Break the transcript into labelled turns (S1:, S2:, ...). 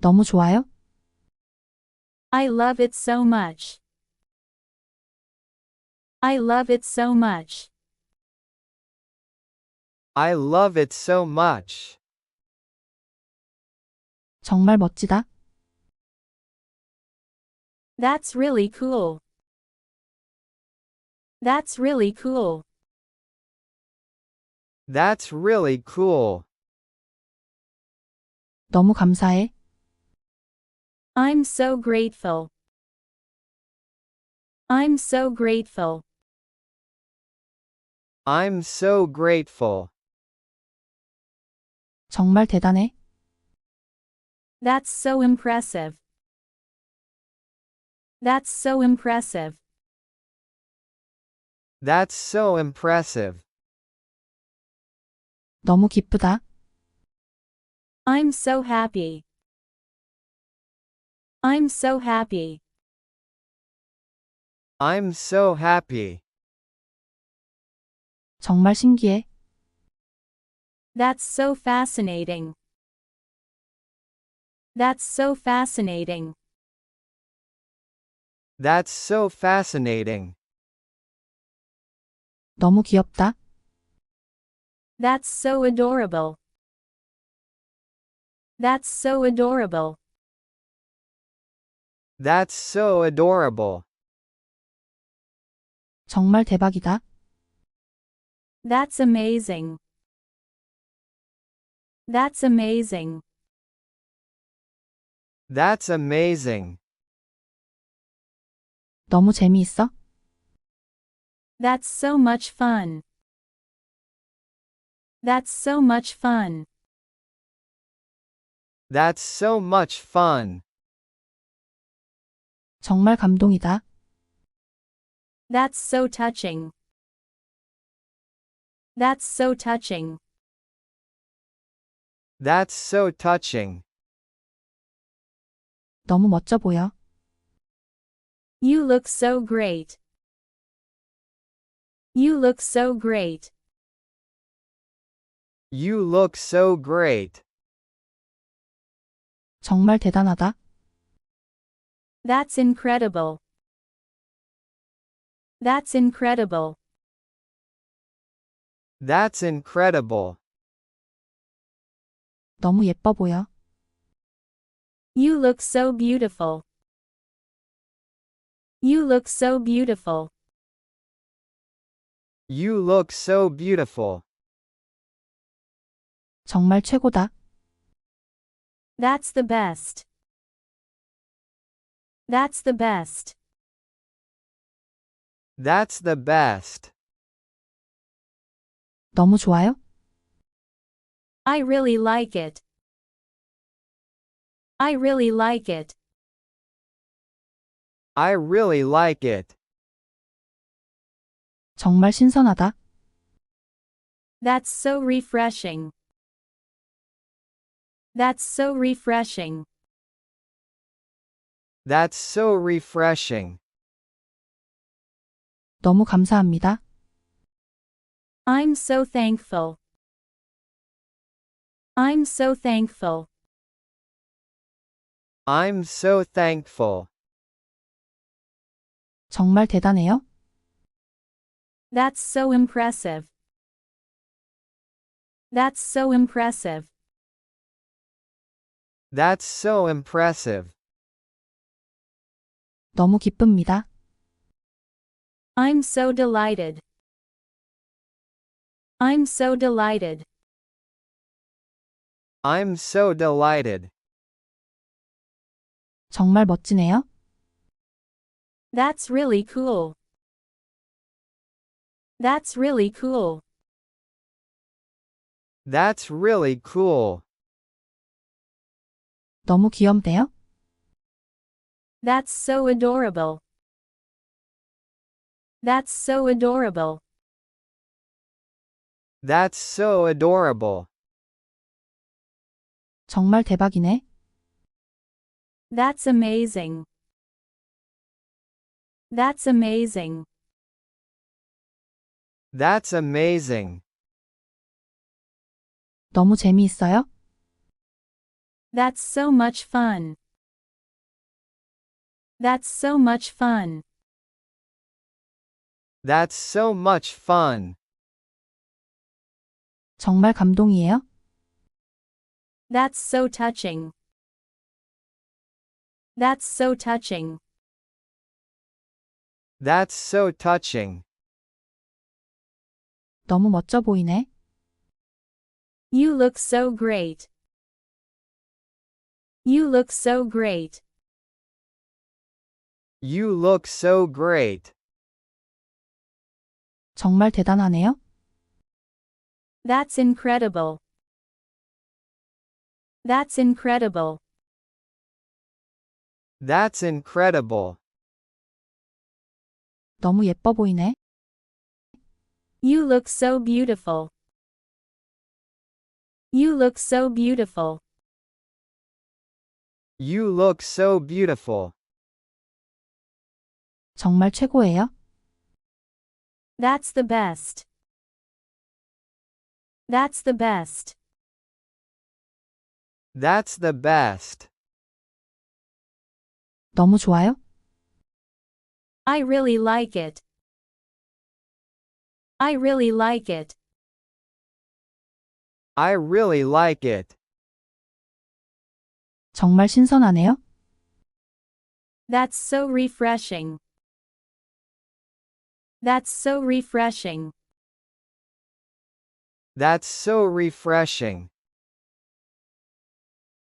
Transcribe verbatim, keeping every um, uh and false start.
S1: 너무 좋아요?
S2: I love it so much. I love it so much.
S3: I love it so much.
S1: 정말 멋지다.
S2: That's really cool. That's really cool.
S3: That's really cool.
S1: 너무 감사해.
S2: I'm so grateful. I'm so grateful.
S3: I'm so grateful.
S1: 정말 대단해.
S2: That's so impressive. That's so impressive.
S3: That's so impressive.
S1: 너무 기쁘다.
S2: I'm so happy. I'm so happy.
S3: I'm so happy.
S1: 정말 신기해.
S2: That's so fascinating. That's so fascinating.
S3: That's so fascinating.
S1: 너무 귀엽다.
S2: That's so adorable. That's so adorable.
S3: That's so adorable.
S1: 정말 대박이다.
S2: That's amazing. That's amazing.
S3: That's amazing.
S1: 너무 재미있어.
S2: That's so much fun. That's so much fun.
S3: That's so much fun.
S1: 정말 감동이다.
S2: That's so touching. That's so touching.
S3: That's so touching.
S1: 너무 멋져 보여.
S2: You look so great. You look so great.
S3: You look so great.
S1: 정말 대단하다.
S2: That's incredible. That's incredible.
S3: That's incredible.
S1: 너무 예뻐 보여.
S2: You look so beautiful. You look so beautiful.
S3: You look so beautiful.
S1: 정말 최고다.
S2: That's the best. That's the best.
S3: That's the best.
S1: 너무 좋아요?
S2: I really like it. I really like it.
S3: I really like it.
S1: 정말 신선하다.
S2: That's so refreshing. That's so refreshing.
S3: That's so refreshing.
S1: 너무 감사합니다.
S2: I'm so thankful. I'm so thankful.
S3: I'm so thankful.
S1: 정말 대단해요.
S2: That's so impressive. That's so impressive.
S3: That's so impressive.
S1: 너무 기쁩니다.
S2: I'm so delighted. I'm so delighted.
S3: I'm so delighted.
S1: 정말 멋지네요.
S2: That's really cool. That's really cool.
S3: That's really cool.
S1: 너무 귀엽네요.
S2: That's so adorable. That's so adorable.
S3: That's so adorable.
S1: 정말 대박이네.
S2: That's amazing. That's amazing.
S3: That's amazing.
S1: 너무 재미있어요.
S2: That's so much fun. That's so much fun.
S3: That's so much fun.
S1: 정말 감동이에요?
S2: That's so touching. That's so touching.
S3: That's so touching.
S1: 너무 멋져 보이네.
S2: You look so great. You look so great.
S3: You look so great.
S1: 정말 대단하네요.
S2: That's incredible. That's incredible.
S3: That's incredible.
S1: 너무 예뻐 보이네.
S2: You look so beautiful. You look so beautiful.
S3: You look so beautiful.
S1: 정말 최고예요.
S2: That's the best. That's the best.
S3: That's the best.
S1: 너무 좋아요.
S2: I really like it. I really like it.
S3: I really like it.
S1: 정말 신선하네요.
S2: That's so refreshing. That's so refreshing.
S3: That's so refreshing.